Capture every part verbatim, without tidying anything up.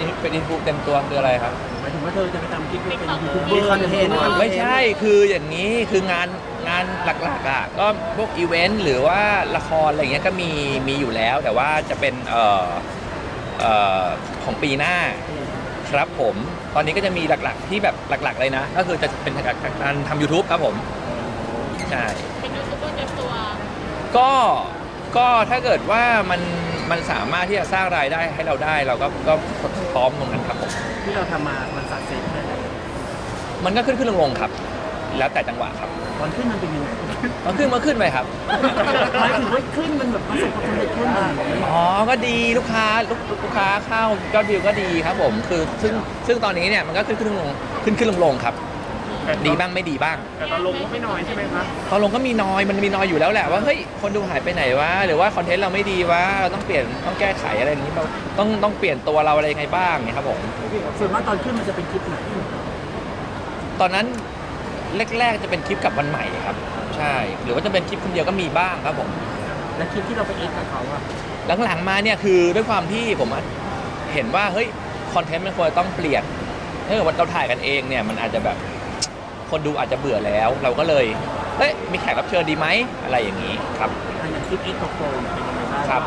เป็นอินฟูเต็มตัวคืออะไรครับหมายถึงว่าเธอจะไปทำคลิปเป็นยูทูบเบอร์คอนเทนต์ไม่ใช่คืออย่างนี้คืองานงานหลักๆอ่ะก็พวกอีเวนต์หรือว่าละครอะไรเงี้ยก็มีมีอยู่แล้วแต่ว่าจะเป็นเอ่อเอ่อของปีหน้าครับผมตอนนี้ก็จะมีหลักๆที่แบบหลักๆเลยนะก็คือจะเป็นการทำ YouTube ครับผมใช่เป็นยูทูบเบอร์เต็มตัวก็ก็ถ้าเกิดว่ามันมันสามารถที่จะสร้างรายได้ให้เราได้เราก็ก็พร้อมตรงนั้นครับผมที่เราทำมามันสักเซสแค่ไหนมันก็ขึ้นขึ้นลงลงครับแล้วแต่จังหวะครับตอนขึ้นมันเป็นยังไงมันขึ้นมันขึ้นไปครับหมายถึงว่าขึ้นมันแบบประสบความสำเร็จขึ้นอ๋อก็ดีลูกค้าลูกลูกค้าเข้ายอดวิวก็ดีครับผมคือซึ่งซึ่งตอนนี้เนี่ยมันก็ขึ้นขึ้นลงขึ้นขึ้นลงลงครับดีบ้างไม่ดีบ้างแต่ตอนลงก็ไม่น้อยใช่ไหมครับตอนลงก็มีน้อยมันมีน้อยอยู่แล้วแหละว่าเฮ้ยคนดูหายไปไหนวะหรือว่าคอนเทนต์เราไม่ดีวะเราต้องเปลี่ยนต้องแก้ไขอะไรอย่างนี้เราต้องต้องเปลี่ยนตัวเราอะไรยังไงบ้างเนี่ยครับผมส่วนมากตอนขึ้นมันจะเป็นคลิปไหนตอนนั้นแรกๆจะเป็นคลิปกับวันใหม่ครับใช่หรือว่าจะเป็นคลิปคนเดียวก็มีบ้างครับผมและคลิปที่เราไปเอ็กกับเขาอะหลังๆมาเนี่ยคือด้วยความที่ผมเห็นว่าเฮ้ยคอนเทนต์มันควรต้องเปลี่ยนถ้าเกิดว่าเราถ่ายกันเองเนี่ยมันอาจจะแบบคนดูอาจจะเบื่อแล้วเราก็เลยเฮ้ยมีแขกรับเชิญดีไหมอะไรอย่างนี้ครับอย่างคลิปเอ็กกับโฟนเป็นยังไงบ้างครับ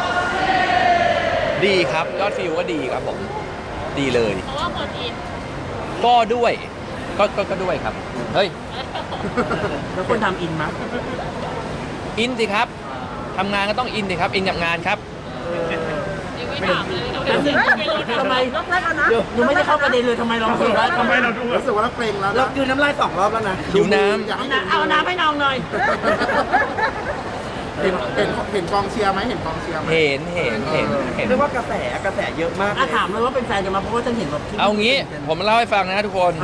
ดีครับยอดฟิวก็ดีครับผมดีเลยเพราะว่าคนอินก็ด้วยก็ก็ก็ด้วยครับเฮ้ยแล้วคนทำอินมั้ยอินสิครับทำงานก็ต้องอินสิครับอินกับงานครับไม่ถามเลยทำไมรอบแรกแล้วนะยังไม่ได้เข้าประเด็นเลยทำไมเรารู้สึกว่าทำไมเราดูรู้สึกว่าเราเกรงแล้วเราดูน้ำลายสองรอบแล้วนะดูน้ำเอาน้ำให้น้องหน่อยเห็นเห็นเห็นกองเชียร์ไหมเห็นกองเชียร์ไหมเห็นเห็นเห็นเห็นเรียกว่ากระแสกระแสเยอะมากถามเลยว่าเป็นแฟนกันมาเพราะว่าฉันเห็นแบบเอางี้ผมเล่าให้ฟังนะทุกคน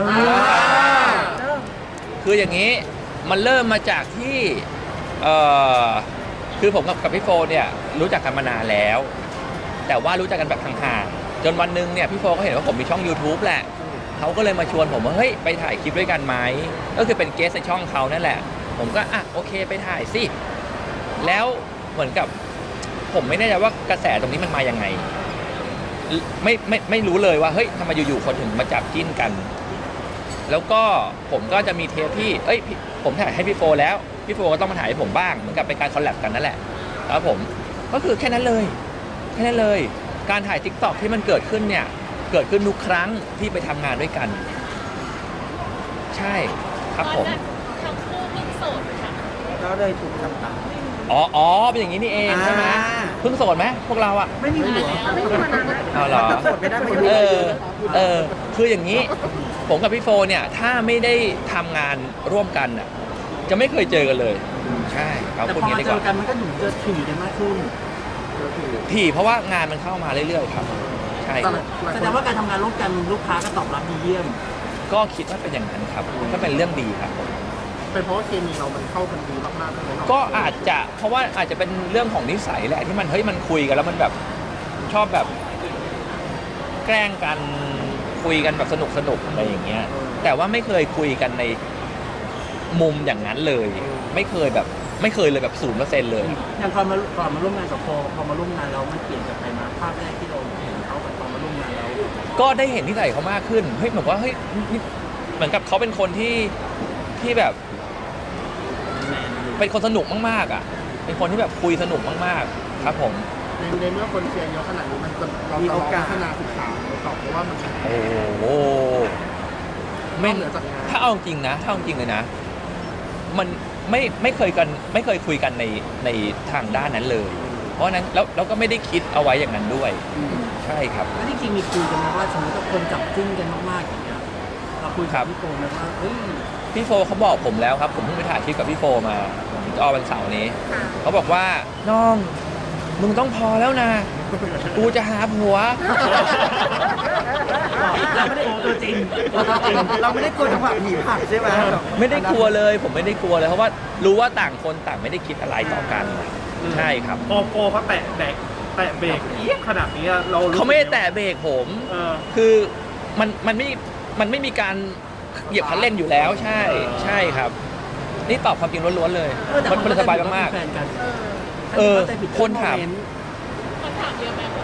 คืออย่างนี้มันเริ่มมาจากที่เอ่อคือผมกับกับพี่โฟเนี่ยรู้จักกันมานานแล้วแต่ว่ารู้จักกันแบบห่างๆจนวันนึงเนี่ยพี่โฟก็เห็นว่าผมมีช่อง YouTube แหละเขาก็เลยมาชวนผมว่าเฮ้ยไปถ่ายคลิปด้วยกันไหมก็คือเป็นเกสในช่องเขานั่นแหละผมก็อ่ะโอเคไปถ่ายสิแล้วเหมือนกับผมไม่แน่ใจว่ากระแสตรงนี้มันมายังไงไม่ไม่ไม่รู้เลยว่าเฮ้ยทำไมอยู่ๆคนถึงมาจับจิ้นกันแล้วก็ผมก็จะมีเทปที่เอ้ยผมถ่ายให้พี่โฟแล้วพี่โฟก็ต้องมาถ่ายให้ผมบ้างเหมือนกับเป็นการคอลแลบกันนั่นแหละแล้วผมก็คือแค่นั้นเลยแค่นั้นเลยการถ่าย ติ๊กต็อก ที่มันเกิดขึ้นเนี่ยเกิดขึ้นทุกครั้งที่ไปทำงานด้วยกันใช่ครับผมทั้งคู่เพิ่งโสดค่ะก็เลยถูกจับตาอ๋ออ๋อเป็นอย่างนี้นี่เองใช่ไหมเพิ่งโสดไหมพวกเราอะไม่มีหัวไม่มีมานานแล้วอ๋อเหรอโสดไม่ได้ไม่เออเออคืออย่างนี้ผมกับพี่โฟเนี่ยถ้าไม่ได้ทำงานร่วมกันอะจะไม่เคยเจอกันเลยใช่เอาคนนี้ดีกว่าแต่พอมาเจอกันมันก็หนุนเจอถี่กันมากขึ้นถี่เพราะว่างานมันเข้ามาเรื่อยๆครับใช่แสดงว่าการทำงานร่วมกันลูกค้าก็ตอบรับดีเยี่ยมก็คิดว่าเป็นอย่างนั้นครับก็เป็นเรื่องดีครับเป็นเพราะว่าเคมีเรามันเข้ากันดีมากๆเลยก็อาจจะเพราะว่าอาจจะเป็นเรื่องของนิสัยแหละที่มันเฮ้ยมันคุยกันแล้วมันแบบชอบแบบแกล้งกันคุยกันแบบสนุกสนุกอะไรอย่างเงี้ยแต่ว่าไม่เคยคุยกันในมุมอย่างนั้นเลยไม่เคยแบบไม่เคยเลยแบบศูนย์เปอร์เซ็นต์เลยอย่างก่อนมาก่อนมาร่วมงานกับโฟพอมาร่วมงานเรามันเปลี่ยนจากไปมาภาพแรกที่เราเห็นเขากับตอนมาร่วมงานเราก็ได้เห็นนิสัยเขามากขึ้นเฮ้ยเหมือนว่าเฮ้ยเหมือนกับเขาเป็นคนที่ที่แบบเป็นคนสนุกมากๆอ่ะเป็นคนที่แบบคุยสนุกมากๆครับผมในในเมื่อคนเชียร์เยอะขนาดนี้มันเราจะลองพัฒนาศึกษาต่อเพราะว่ามันโอ้โหไม่ถ้าเอาจริงนะถ้าเอาจริงเลยนะมันไม่ไม่เคยกันไม่เคยคุยกันในในทางด้านนั้นเลยเพราะนั้นแล้วเราก็ไม่ได้คิดเอาไว้อย่างนั้นด้วยใช่ครับแล้วจริงๆมีคุยกันไหมว่าสมมติถ้าคนจับจิ้นกันมากๆอย่างเงี้ยเราคุยกับพี่โฟไหมว่าเฮ้ยพี่โฟเขาบอกผมแล้วครับผมเพิ่งไปถ่ายคลิปกับพี่โฟมาจะออกวันเสาร์นี้เขาบอกว่าน้องมึงต้องพอแล้วนะกูจะหาผัวเราไม่ได้กลัวตัวจริงเราไม่ได้กลัวจังหวะผีผักใช่ไหมไม่ได้กลัวเลยผมไม่ได้กลัวเลยเพราะว่ารู้ว่าต่างคนต่างไม่ได้คิดอะไรต่อกันใช่ครับโปโปเขาแตะแบกแตะเบรกเอี้ยขนาดนี้เราเขาไม่ได้แตะเบรกผมคือมันมันไม่มันไม่มีการเหยียบคันเร่งอยู่แล้วใช่ใช่ครับนี่ตอบความจริงล้วนๆเลยมันสบายมากๆเออคนถามคนถามเยอะไหม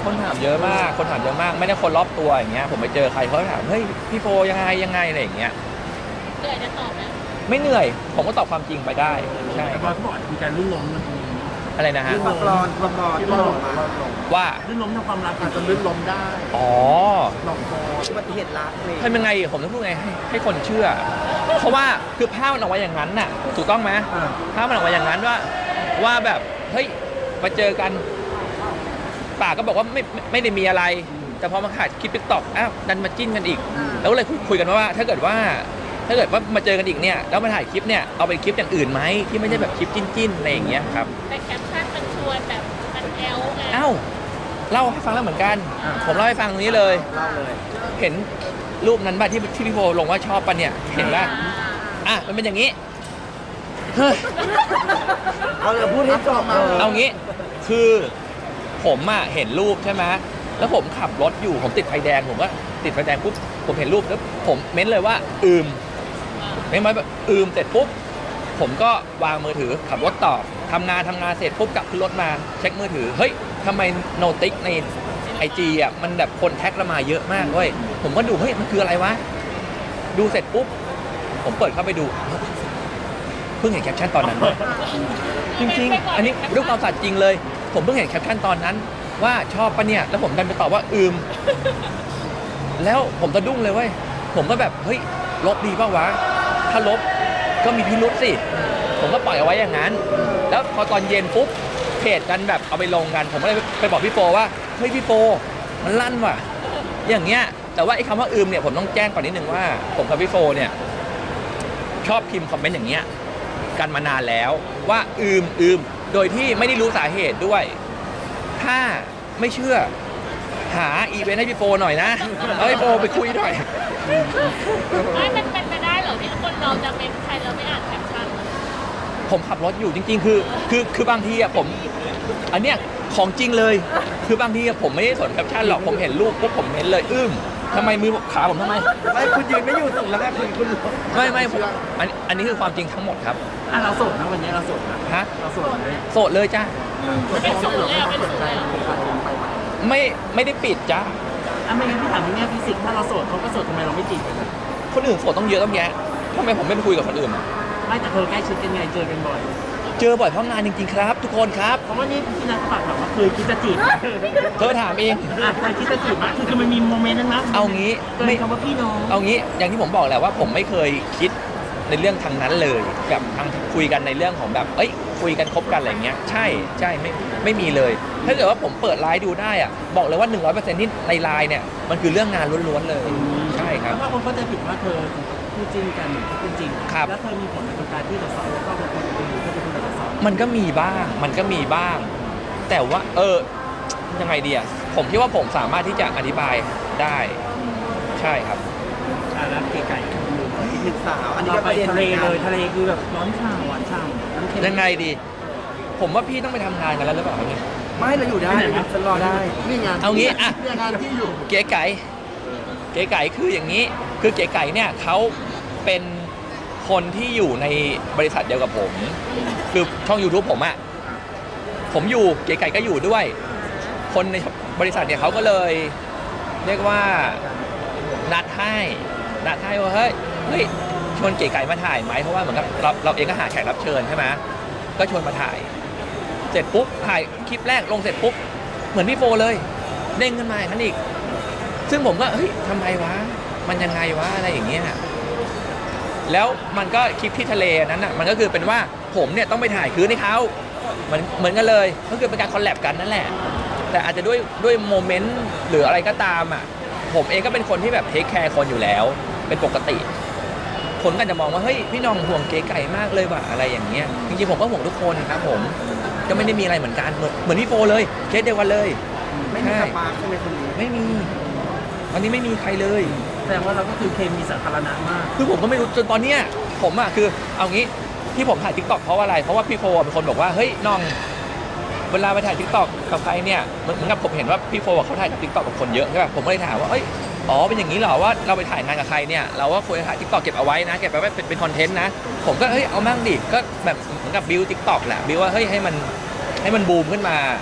คนถามเยอะมากคนถามเยอะมากไม่ได้คนรอบตัวอย่างเงี้ยผมไปเจอใครเขาถามเฮ้ยพี่โฟยังไงยังไงอะไรอย่างเงี้ยเหนื่อยจะตอบไหมไม่เหนื่อยผมก็ตอบความจริงไปได้ใช่แต่บอยเขาบอกมีการลื่นล้มมันมีอะไรนะฮะความร้อนความร้อนที่มันออกมาว่าลื่นล้มทางความรักอาจจะลื่นล้มได้อ๋อหลอกคออุบัติเหตุรักเลยทำยังไงผมต้องพูดไงให้ให้คนเชื่อ เพราะว่าคือภาพมันออกมาอย่างนั้นน่ะถูกต้องไหมอ่าภาพมันออกมาอย่างนั้นว่าว่าแบบเฮ้ยมาเจอกันป่ากก็บอกว่าไม่ไม่ไม่ได้มีอะไร แต่พอมาถ่ายคลิปติ๊กต็อกอ้าวดันมาจิ้นกันอีก แล้วก็เลยคุยกันว่าถ้าเกิดว่าถ้าเกิดว่ามาเจอกันอีกเนี่ยแล้วมาถ่ายคลิปเนี่ยเอาเป็นคลิปอย่างอื่นไหมที่ไม่ใช่แบบคลิปจิ้นๆอะไรอย่างเงี้ยครับแต่แคปชั่นมันชวนแบบมันแอลไงเอ้าเล่าให้ฟังแล้วเหมือนกัน ผมเล่าให้ฟังตรงนี้เลยเล่าเลยเห็นรูปนั้นป่ะที่ที่พี่โฟลงว่าชอบป่ะเนี่ยเห็นป่ะอ่าอ่ะมันเป็นอย่างนี้เฮ้ยเอาเลยพูดให้จบเลยเอางี้คือผมอ่ะเห็นรูปใช่ไหมแล้วผมขับรถอยู่ผมติดไฟแดงผมก็ติดไฟแดงปุ๊บผมเห็นรูปแล้วผมเม้นเลยว่าอืมเม้นไว้แบบอืมเสร็จปุ๊บผมก็วางมือถือขับรถต่อทำงานทำงานเสร็จปุ๊บกลับขึ้นรถมาเช็คมือถือเฮ้ยทำไมโนติกในไอจีอ่ะมันแบบคนแท็กเรามาเยอะมากเว้ยผมก็ดูเฮ้ยมันคืออะไรวะดูเสร็จปุ๊บผมเปิดเข้าไปดูเพิ่งเห็นแคปชั่นตอนนั้นเลย จริงๆ อันนี้ด้วยความสัตย์จริงเลย ผมเพิ่งเห็นแคปชั่นตอนนั้นว่าชอบปะเนี่ย แล้วผมดันไปตอบว่าอืม แล้วผมสะดุ้งเลยเว้ย ผมก็แบบเฮ้ยลบดีป่าวะ ถ้าลบก็มีพิรุษสิ ผมก็ปล่อยเอาไว้อย่างนั้น แล้วพอตอนเย็นปุ๊บเพจกันแบบเอาไปลงกัน ผมก็เลยไปบอกพี่โฟว่าเฮ้ยพี่โฟมันลั่นว่ะ อย่างเงี้ย แต่ว่าไอ้คำว่าอืมเนี่ยผมต้องแจ้งก่อนนิดนึงว่า ผมกับพี่โฟเนี่ยชอบพิมพ์คอมเมนต์อย่างเงี้ย กันมานานแล้วว่าอืมอืมโดยที่ไม่ได้รู้สาเหตุด้วย ถ้าไม่เชื่อหาอีเวนต์ให้พี่โฟหน่อยนะเอาพี่โฟไปคุยหน่อยไม่มันเป็นไปได้เหรอที่คนเราจะเป็นใครเราไม่อ่านแคปชั่นผมขับรถอยู่จริง ๆ คือคือคือบางทีอะผม อันเนี้ยของจริงเลย คือบางทีอะผมไม่ได้สนแคปชั่นหรอกผมเห็นรูปปุ๊บผมเห็นเลยอึ้มทำไมมือขาผมทำไมไม่คุณยืนไม่อยู่ส่งแล้วแค่คุณคุณไม่ไม่ผมอันอันนี้คือความจริงทั้งหมดครับอ่ะเราโสดนะวันนี้เราโสดนะฮะเราโสดเลยโสดเลยจ้าเป็นศูนย์เลยอ่ะเป็นศูนย์เลยอ่ะไม่ไม่ได้ปิดจ้าอ่ะไม่งั้นพี่ถามในแง่ฟิสิกส์ถ้าเราโสดเขาก็โสดทำไมเราไม่จีบกันอ่ะคนอื่นโสดต้องเยอะต้องแยะทำไมผมไม่ไปคุยกับคนอื่นอะไม่แต่เธอใกล้ชิดกันไงเจอกันบ่อยเจอบ่อยเพราะงานจริงๆครับ ทุกคนครับเพราะว่านี่พี่นัทฝากถามว่าเคยคิดจะจีบไหมเธอถามเองอ่ะเคยคิดจะจีบไหมคือคือมันมีโมเมนต์นั้นนะเอางี้เกินไม่คำว่าพี่น้องเอางี้อย่างที่ผมบอกแหละว่าผมไม่เคยคิดในเรื่องทางนั้นเลยกับทางคุยกันในเรื่องของแบบเอ้ยคุยกันคบกันอะไรเงี้ยใช่ใช่ไม่ไม่มีเลย ถ้าเกิดว่าผมเปิดไลน์ดูได้อะบอกเลยว่า หนึ่งร้อยเปอร์เซ็นต์ ที่ในไลน์เนี่ยมันคือเรื่องงานล้วนๆเลย ใช่ครับแล้วถ้าคนเข้าใจผิดว่าเธอคู่จริงกันหรือคู่จริงครับแล้วเธอมีผลในการที่จะสอนแล้วก็เป็นคนอื่นก็จะเป็นคนสอนมันก็มีบ้างมันก็มีบ้าง แต่ว่าเออยังไงดีอะผมคิดว่าผมสามารถที่จะอธิบายได้ใช่ครับอ่ะแล้วเก๋ไก่อีกหนึ่งสาวอันนี้เราก็ไปประเด็นทะเลหมือนกันเลยทะเลคือแบบร้อนฉ่ำหวานฉ่ำน้ำเค็มยังไงดี ผมว่าพี่ต้องไปทำงานกันแล้วหรือเปล่าครับเนี่ยไม่เราอยู่ได้ฉันรอได้นี่ไงเอางี้อะเนี่ยงานที่อยู่เก๋ไก่เก๋ไก่คืออย่างนี้ คือเก๋ไก่เนี่ยเขาเป็นคนที่อยู่ในบริษัทเดียวกับผม คือช่อง YouTube ผมอะผมอยู่เก๋ไก่ก็อยู่ด้วย คนในบริษัทเนี่ยเขาก็เลย เรียกว่านัดให้นัดให้ว่าเฮ้ยเฮ้ยชวนเก๋ไก่มาถ่ายไหมเพราะว่าเหมือนกับเราเราเองก็หาแขกรับเชิญใช่ไหมก็ชวนมาถ่าย เสร็จปุ๊บถ่ายคลิปแรกลงเสร็จปุ๊บเหมือนพี่โฟเลยเด้งขึ้นมาอีกคันอีก ซึ่งผมก็เฮ้ยทำไมวะมันยังไงวะอะไรอย่างเงี้ยแล้วมันก็คลิปที่ทะเลนั้นอ่ะมันก็คือเป็นว่าผมเนี่ยต้องไปถ่ายคืนให้เขาเหมือนเหมือนกันเลยก็คือเป็นการคอลแลบกันนั่นแหละ แต่อาจจะด้วยด้วยโมเมนต์หรืออะไรก็ตามอ่ะผมเองก็เป็นคนที่แบบเทคแคร์คนอยู่แล้วเป็นปกติ คนก็จะมองว่าเฮ้ยพี่น้องห่วงเก๋ไก่มากเลยว่ะอะไรอย่างเงี้ยจริงๆผมก็ห่วงทุกคนครับผมก็ไม่ได้มีอะไรเหมือนกันเหมือนเหมือนพี่โฟเลยเคสเดียวกันเลยไม่มีสปาร์คใช่ไหมคนนี้ไม่มีวันนี้ไม่มีใครเลยแสดงว่าเราก็คือเคมีสาธารณะมากคือผมก็ไม่รู้จนตอนเนี้ยผมอ่ะคือเอางี้ที่ผมถ่ายทิกตอกเพราะว่าอะไรเพราะว่าพี่โฟเป็นคนบอกว่าเฮ้ยน้องเวลาไปถ่ายทิกตอกกับใครเนี่ยเหมือนกับผมเห็นว่าพี่โฟเขาถ่ายกับทิกตอกกับคนเยอะใช่ป่ะผมก็เลยถามว่าเอ้ยอ๋อเป็นอย่างนี้เหรอว่าเราไปถ่ายงานกับใครเนี่ยเราว่าควรจะถ่ายทิกตอกเก็บเอาไว้นะเก็บเอาไว้เป็นเป็นคอนเทนต์นะผมก็เฮ้ยเอามั่งดิก็แบบเหมือนกับบิวทิกตอกแหละบิวว่าเฮ้ยให้มันให้มันบูมขึ้นมา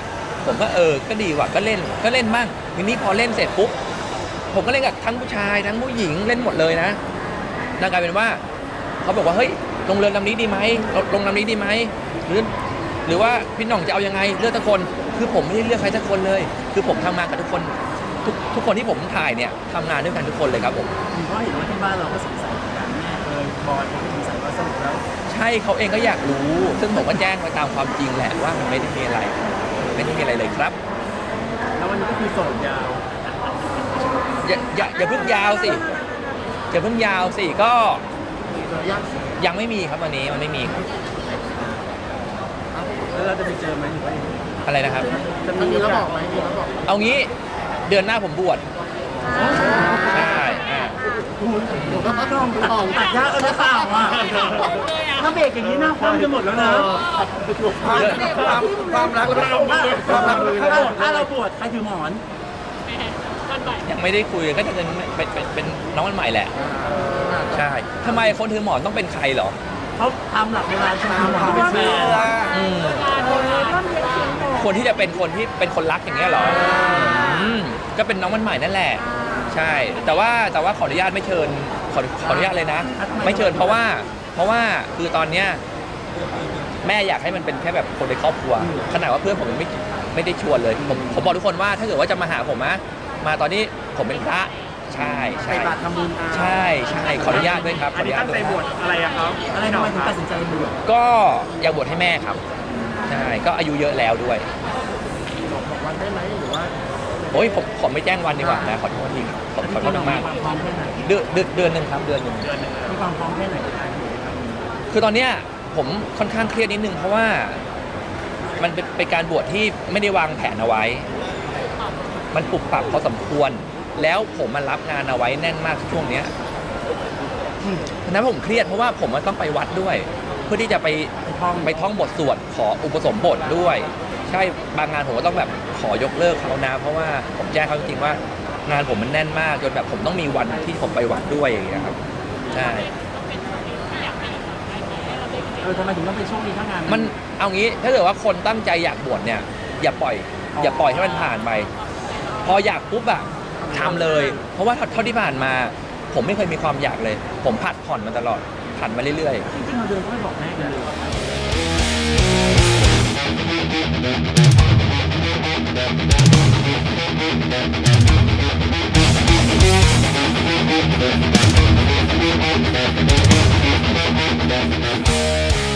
ผมก็เออก็ดีว่ะก็เล่นก็เล่นบ้างทีนี้พอเล่นเสร็จปุ๊บผมก็เล่นกับทั้งผู้ชายทั้งผู้หญิงเล่นหมดเลยนะนั่นกลายเป็นว่าเขาบอกว่าเฮ้ยลงเรือลำนี้ดีไหมลงลำนี้ดีไหมหรือหรือว่าพี่หน่องจะเอายังไงเลือกทุกคนคือผมไม่ได้เลือกใครสักคนเลยคือผมทำงานกับทุกคนทุกทุกคนที่ผมถ่ายเนี่ยทำงานด้วยกันทุกคนเลยครับผมเพราะเห็นว่าที่บ้านเราก็สงสัยเหมือนกันแม่เอยบอยเขาก็สงสัยว่าสรุปแล้วใช่เขาเองก็อยากรู้ ซึ่งผมก็แจ้งไปตามความจริงแหละว่ามันไม่ได้มีอะไรไม่ได้มีอะไรเลยครับแล้ววันนี้ก็คือโสดยาวอย่าอย่าอย่าเพิ่งยาวสิอย่าเพิ่งยาวสิก็ยังยังไม่มีครับวันนี้มันไม่มีครับแล้วเราจะไปเจอไหมหรือว่าอะไรนะครับจะมีมีแล้วโอกาบสอกไหมมีแล้วบอกเอางี้เดือนหน้าผมบวชใช่อ่าผมก็ต้องลองตัดยากเออไม่ข่าวอ่ะถ้าเบรกอย่างนี้หน้าคว่ำจะหมดแล้วนะความความรักแล้วความรักเลยถ้าถ้าเราบวชใครถือหมอนวันใหม่ยังไม่ได้คุยก็จะเป็นเป็นเป็นเป็นน้องวันใหม่แหละใช่ทำไมคนถือหมอนต้องเป็นใครเหรอเขาทำหลักเวลาถือหมอนเป็นแฟนอืม คนที่จะเป็นคนที่เป็นคนรักอย่างเงี้ยเหรออืมก็เป็นน้องวันใหม่นั่นแหละ ใช่ แต่ว่าแต่ว่าขออนุญาตไม่เชิญขอขออนุญาตเลยนะ ไม่เชิญเพราะว่า เพราะว่าคือตอนเนี้ยแม่อยากให้มันเป็นแค่แบบคนในครอบครัว ขนาดว่าเพื่อนผมยังไม่ไม่ได้ชวนเลยผมผมบอกทุกคนว่าถ้าเกิดว่าจะมาหาผมนะมาตอนนี้ผมเป็นพระใช่ใช่ใส่บาตรทำบุญใช่ใช่ขออนุญาตด้วยครับขออนุญาตด้วยครับอะไรอะครับอะไรทำไมถึงตัดสินใจบวชก็อยากบวชให้แม่ครับใช่ก็อายุเยอะแล้วด้วยบอกวันได้ไหมหรือว่าโอ้ยผมผมไม่แจ้งวันดีกว่านะขอโทษทีขอขอโทษมากความพร้อมแค่ไหนเดือนเดือนเดือนหนึ่งครับเดือนหนึ่งมีความพร้อมแค่ไหนในการบวชครับคือตอนเนี้ยผมค่อนข้างเครียดนิดนึงเพราะว่ามันเป็นเป็นการบวชที่ไม่ได้วางแผนเอาไว้ มันปรับปรับพอสมควร แล้วผมมันรับงานเอาไว้แน่นมากช่วงเนี้ยฉะนั้นผมเครียดเพราะว่าผมมันต้องไปวัดด้วย เพื่อที่จะไปไปท่องไปท่องบทสวดขออุปสมบทด้วย ใช่บางงานผมก็ต้องแบบขอยกเลิกเขานะ เพราะว่าผมแจ้งเขาจริงๆว่างานผมมันแน่นมากจนแบบผมต้องมีวันที่ผมไปวัดด้วยอย่างเงี้ยครับใช่เออทำไมถึงต้องเป็นช่วงนี้ถ้างานมันเอางี้ถ้าเกิดว่าคนตั้งใจอยากบวชเนี่ยอย่าปล่อย อย่าปล่อยให้มันผ่านไป พออยากปุ๊บอะทำเลย เพราะว่าเท่าที่ผ่านมา ผมไม่เคยมีความอยากเลย ผมผัดผ่อนมาตลอดผัดมาเรื่อยๆจริงๆเราเดินก็ไม่บอกแม่กันเลยเ